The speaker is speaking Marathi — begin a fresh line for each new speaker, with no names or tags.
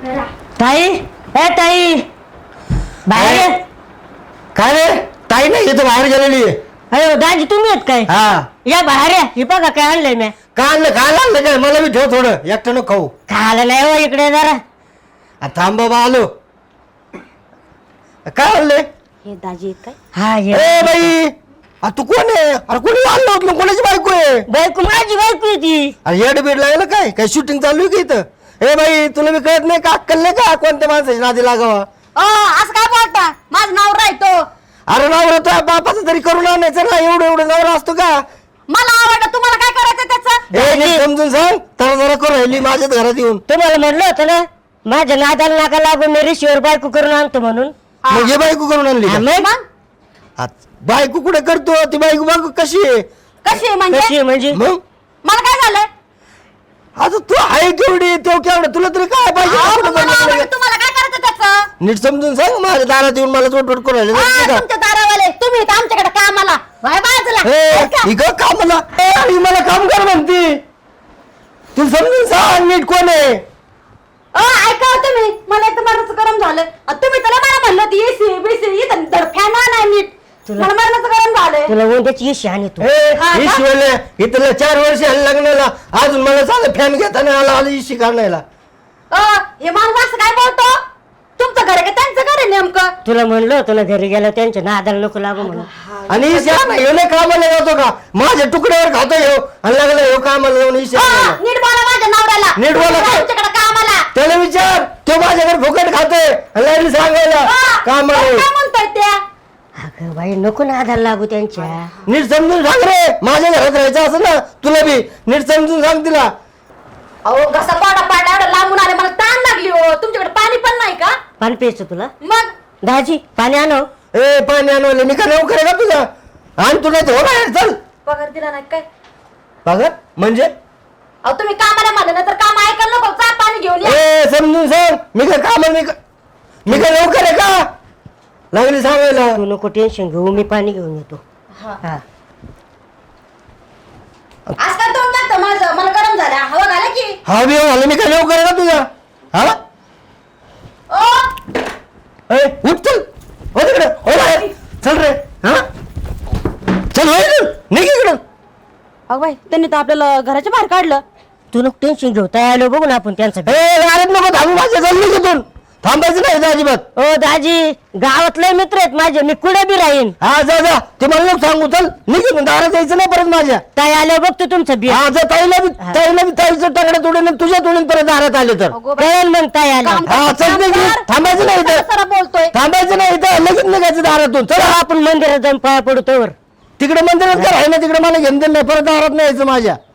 ताई ए ताई बाहेर ये.
काय रे ताई नाही इथं बाहेर गेलेली आहे.
अयो दाजी तुम्ही आहेत काय?
हा
या बाहेर या. हे बघा काय आणलंय मी.
काय आणलं काय मला बी ठेव थोडं एकटं नको खाऊ.
खायला नाही हो इकडे जरा.
थांब बाबा आलो. काय आणले?
हे दाजी आहेत काय? हा
ए
ये.
बाई तू कोण आहे? अरे कोणी आणलं होतं? कोणाची बायको आहे?
बायको माझी बायको आहे ती.
अरे येड बीड लागलं काय शूटिंग चालू आहे की इथं? ए बाई तुला मी कळत नाही का अक्कल नाही का कोणत्या माणसाची नादी लागावा?
असं काय बोलता? माझं नाव राहतो.
अरे नवरा तो बापाचं तरी करून आणायचं ना. एवढं नवरा असतो का?
मला आवडलं. तुम्हाला काय करायचं त्याचं?
ए नीट समजून सांग. तर जरा करू राहिली माझ्याच घरात येऊन.
तुम्हाला म्हणलं होतं ना माझ्या नादाला नाका लागून मी रिशीवर बायको करून आणतो म्हणून.
मग हे बायको करून आणली
हा,
का?
मग?
आ, बायको कुठे करतो? ती बायको बायको कशी आहे?
कशी आहे म्हणजे?
कशी आहे म्हणजे?
मग
मला काय झालं?
आता तू आहे केवढी तेव केवढं तुला तरी काय पाहिजे?
अहो,
कुठं
तुम्हाला
बनवलं
आवडलं.
का?
तुम्हाला काय करायचं त्याचं?
नीट समजून सांग. माझ्या दारात येऊन मला चोटवट करू राहिले का?
तुमच्या दारावाले तुम्ही इथं आमच्याकडे कामाला व्हाय बाजूला.
ए,
ऐका.
इकडं कामाला आणि मला काम कर म्हणती. तू समजून सांग नीट कोण आहे?
ऐका हो तुम्ही. मला एकदम मरणाचं गरम झालं. तुम्ही त्याला मला म्हणलं ती एसी बीसी इथं फॅन नाही नीट.
तुला-
मला मरणाचं गरम झालंय.
तुला उद्याची इशी आणि तू
हा का?
ईश्वरले इथलं 4 वर्ष लग्नाला अजून मला चाललं फॅन घेताना आला इशी काढायला.
हे माणूस असं काय बोलतो? तुमचं घर आहे का त्यांचं घर आहे नेमकं?
तुला म्हणलं होतं ना घरी गेलं त्यांच्या नादाला नको लागू म्हणून.
आणि येणे कामाला जातो का? माझ्या तुकड्यावर खातो येऊ आणि लागला येऊ कामाला जाऊन इशी आणायला.
नीट बोला माझ्या नवऱ्याला.
नीट बोला काय?
आमच्याकडे कामाला.
त्याला विचार तो माझ्याकडे फुकट खातोय आणि लागली सांगायला कामाला
काय
येऊ.
म्हणताय त्या?
अगं बाई नको नादाला लागू त्यांच्या.
नीट समजून सांग रे. माझ्या घरात राहायचं असं ना तुला बी नीट समजून सांग तिला.
अहो घसा पाडा एवढं लांबून आले मला ताण लागली हो. तुमच्याकडे पाणी पण नाही का?
पाणी प्यायचं तुला?
मग
दाजी पाणी आणव.
ए पाणी आणवले मी का नोकर आहे का तुझा? आण तुला हो बाहेर चल.
पगार दिला नाही काय?
बघा म्हणजे
अहो तुम्ही कामाला म्हणलं ना तर काम ऐकायला नको. चा पाणी घेऊन या.
ए समजून सांग. मी काय कामाला मी काय नोकर आहे का? लागली सांगायला.
तू नको टेन्शन घेऊ मी पाणी घेऊन येतो.
हा.
हा
आजकाल तोंड लागतं माझं. मला गरम झालं. हवा घाला की.
हा बी झालं मी काय नोकर आहे का तुझा? हा
ओ
ए उठ चल. हो तिकडे हो बाहेर चल रे. हा चल हो इकडं. निघ इकडं.
अगं बाई त्यांनी तर आपल्याला घराच्या बाहेर काढलं.
तू नको टेन्शन घेऊ तयार आलो बघू ना आपण त्यांचं.
ए अरे नको थांबू. माझ्या चालली तिथून थांबायचं नाही इथं अजिबात.
ओ दाजी गावातले मित्र आहेत माझे मी कुठे बी राहीन.
हा जा जा. ते मला नको सांगू. चल निघ. दारात यायचं नाही परत माझ्या.
ताई आलो बघतो तुमचं बी.
हा जर ताईचं तगडे तोडून तुझ्या तोडून परत दारात आले तर
अगो बाई.
कळेल मग ताई आलो.
काम-
हा चल निघ. थांबायचं नाही इथं.
सरा बोलतोय.
थांबायचं नाही इथं. लगेच निघायचं दारातून. चल
चला आपण मंदिरात जाऊन पाया पडू तोवर.
तिकडे मंदिरात काय आहे ना तिकडे मला घेऊन दिलं नाही. परत दारात नाही यायचं माझ्या.